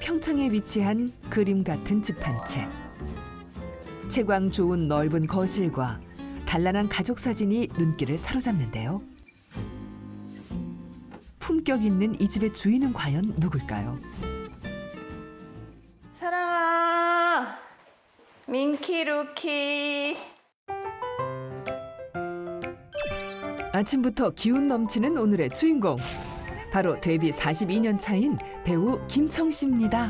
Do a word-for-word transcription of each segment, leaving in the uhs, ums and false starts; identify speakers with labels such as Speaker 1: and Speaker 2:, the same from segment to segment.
Speaker 1: 평창에 위치한 그림 같은 집 한 채. 채광 좋은 넓은 거실과 단란한 가족 사진이 눈길을 사로잡는데요. 품격 있는 이 집의 주인은 과연 누굴까요?
Speaker 2: 사랑아, 민키 루키.
Speaker 1: 아침부터 기운 넘치는 오늘의 주인공. 바로 데뷔 사십이 년 차인 배우 김청 씨입니다.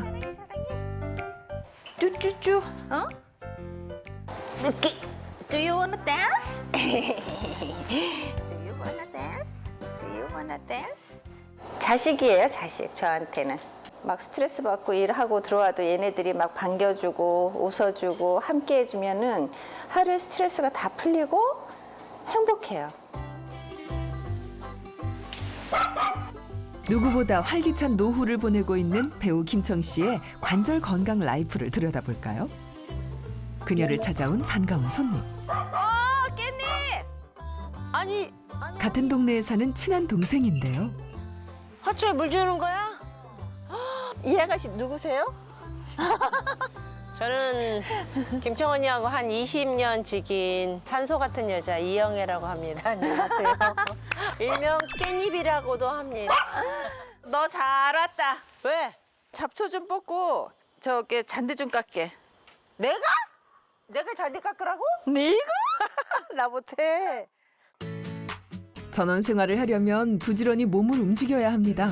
Speaker 2: 쭈쭈쭈, 어? 루키, do you wanna dance? do you wanna dance? Do you wanna dance? 자식이에요, 자식, 저한테는. 막 스트레스 받고 일하고 들어와도 얘네들이 막 반겨주고 웃어주고 함께 해주면은 하루의 스트레스가 다 풀리고 행복해요.
Speaker 1: 누구보다 활기찬 노후를 보내고 있는 배우 김청 씨의 관절 건강 라이프를 들여다볼까요? 그녀를 찾아온 반가운 손님.
Speaker 2: 어, 깻잎!
Speaker 3: 아니,
Speaker 1: 같은 동네에 사는 친한 동생인데요.
Speaker 3: 화초에 물 주는 거야?
Speaker 2: 이 아가씨 누구세요?
Speaker 3: 저는 김청 언니하고 한 이십 년 지긴 산소 같은 여자 이영애라고 합니다. 안녕하세요. 일명 깻잎이라고도 합니다.
Speaker 2: 너 잘 왔다.
Speaker 3: 왜?
Speaker 2: 잡초 좀 뽑고 저기 잔디 좀 깎게.
Speaker 3: 내가? 내가 잔디 깎으라고?
Speaker 2: 네가?
Speaker 3: 나 못해.
Speaker 1: 전원 생활을 하려면 부지런히 몸을 움직여야 합니다.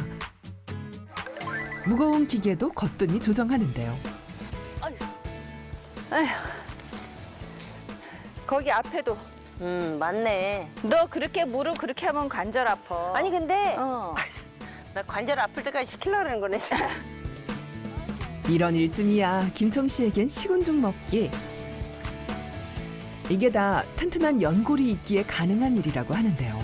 Speaker 1: 무거운 기계도 거뜬히 조정하는데요.
Speaker 2: 아휴. 거기 앞에도.
Speaker 3: 음, 맞네.
Speaker 2: 너 그렇게 무릎 그렇게 하면 관절 아파.
Speaker 3: 아니, 근데
Speaker 2: 어.
Speaker 3: 나 관절 아플 때까지 시키려는 거네.
Speaker 1: 이런 일쯤이야 김청 씨에겐 식은 죽 먹기. 이게 다 튼튼한 연골이 있기에 가능한 일이라고 하는데요.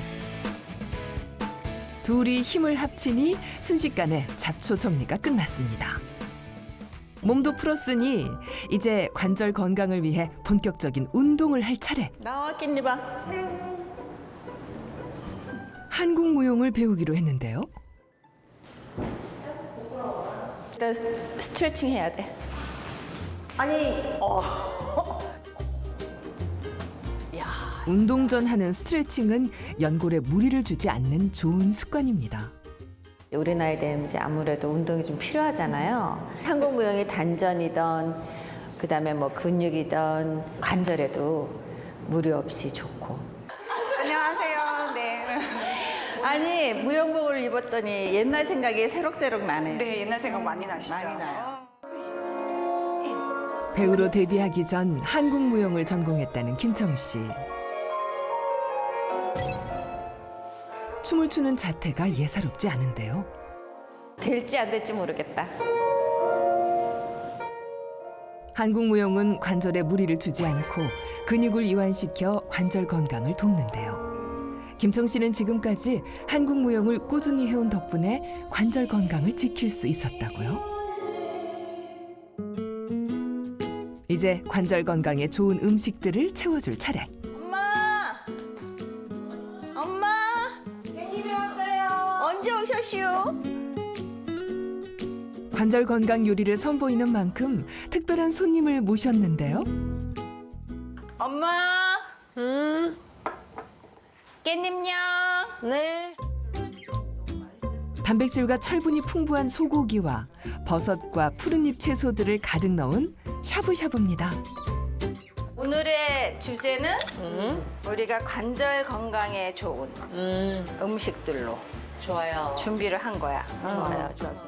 Speaker 1: 둘이 힘을 합치니 순식간에 잡초 정리가 끝났습니다. 몸도 풀었으니 이제 관절 건강을 위해 본격적인 운동을 할 차례.
Speaker 2: 나와 깻잎아.
Speaker 1: 한국 무용을 배우기로 했는데요.
Speaker 2: 일단 스트레칭 해야 돼.
Speaker 3: 아니, 어.
Speaker 1: 운동 전 하는 스트레칭은 연골에 무리를 주지 않는 좋은 습관입니다.
Speaker 2: 우리 나이 되면 이제 아무래도 운동이 좀 필요하잖아요. 한국 무용이 단전이던 그다음에 뭐 근육이던 관절에도 무리 없이 좋고. 안녕하세요. 네. 아니 무용복을 입었더니 옛날 생각이 새록새록 나네.
Speaker 4: 네, 옛날 생각 많이 나시죠?
Speaker 2: 많이 나요.
Speaker 1: 배우로 데뷔하기 전 한국 무용을 전공했다는 김청 씨. 춤을 추는 자태가 예사롭지 않은데요.
Speaker 2: 될지 안 될지 모르겠다.
Speaker 1: 한국 무용은 관절에 무리를 주지 않고 근육을 이완시켜 관절 건강을 돕는데요. 김청 씨는 지금까지 한국 무용을 꾸준히 해온 덕분에 관절 건강을 지킬 수 있었다고요. 이제 관절 건강에 좋은 음식들을 채워줄 차례.
Speaker 2: 엄마! 엄마!
Speaker 3: 깻잎이 왔어요.
Speaker 2: 언제 오셨시오?
Speaker 1: 관절 건강 요리를 선보이는 만큼 특별한 손님을 모셨는데요.
Speaker 2: 엄마!
Speaker 3: 음,
Speaker 2: 깻잎냥!
Speaker 3: 네.
Speaker 1: 단백질과 철분이 풍부한 소고기와 버섯과 푸른잎 채소들을 가득 넣은 샤브샤브입니다.
Speaker 2: 오늘의 주제는
Speaker 3: 음,
Speaker 2: 우리가 관절 건강에 좋은
Speaker 3: 음,
Speaker 2: 음식들로
Speaker 3: 좋아요.
Speaker 2: 준비를 한 거야.
Speaker 3: 좋아요, 좋았어.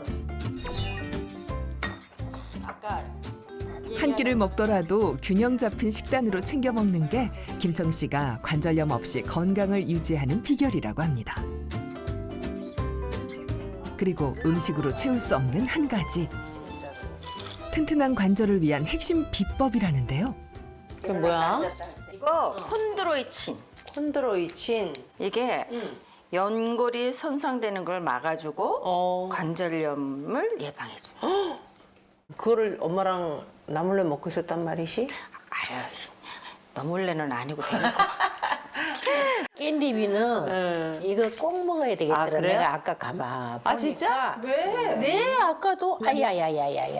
Speaker 2: 아까
Speaker 1: 한 끼를 먹더라도 균형 잡힌 식단으로 챙겨 먹는 게 김청 씨가 관절염 없이 건강을 유지하는 비결이라고 합니다. 그리고 음식으로 채울 수 없는 한 가지. 튼튼한 관절을 위한 핵심 비법이라는데요.
Speaker 3: 그게 뭐야?
Speaker 2: 이거 콘드로이친.
Speaker 3: 콘드로이친.
Speaker 2: 이게
Speaker 3: 음.
Speaker 2: 연골이 손상되는 걸 막아주고
Speaker 3: 어.
Speaker 2: 관절염을 예방해줘.
Speaker 3: 그거를 엄마랑 나 몰래 먹고 있었단 말이지?
Speaker 2: 아유, 너 몰래는 아니고 대놓고. 깻잎이는
Speaker 3: 응.
Speaker 2: 이거 꼭 먹어야 되겠더라.
Speaker 3: 아, 그래요?
Speaker 2: 내가 아까 가만
Speaker 3: 아, 진짜?
Speaker 2: 왜? 네, 아까도 아야야야야야야.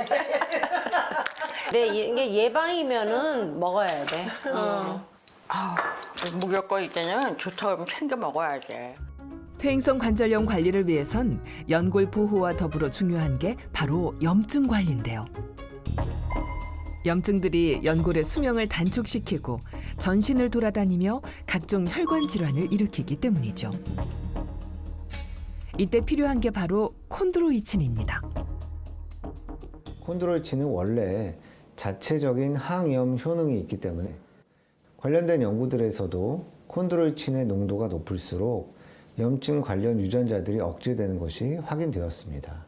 Speaker 3: 네, 이게 예방이면은 먹어야 돼. 어.
Speaker 4: 아, 무조건 이때는 좋다 그러면 챙겨 먹어야지.
Speaker 1: 퇴행성 관절염 관리를 위해선 연골 보호와 더불어 중요한 게 바로 염증 관리인데요. 염증들이 연골의 수명을 단축시키고 전신을 돌아다니며 각종 혈관 질환을 일으키기 때문이죠. 이때 필요한 게 바로 콘드로이친입니다.
Speaker 5: 콘드로이친은 원래 자체적인 항염 효능이 있기 때문에 관련된 연구들에서도 콘드로이친의 농도가 높을수록 염증 관련 유전자들이 억제되는 것이 확인되었습니다.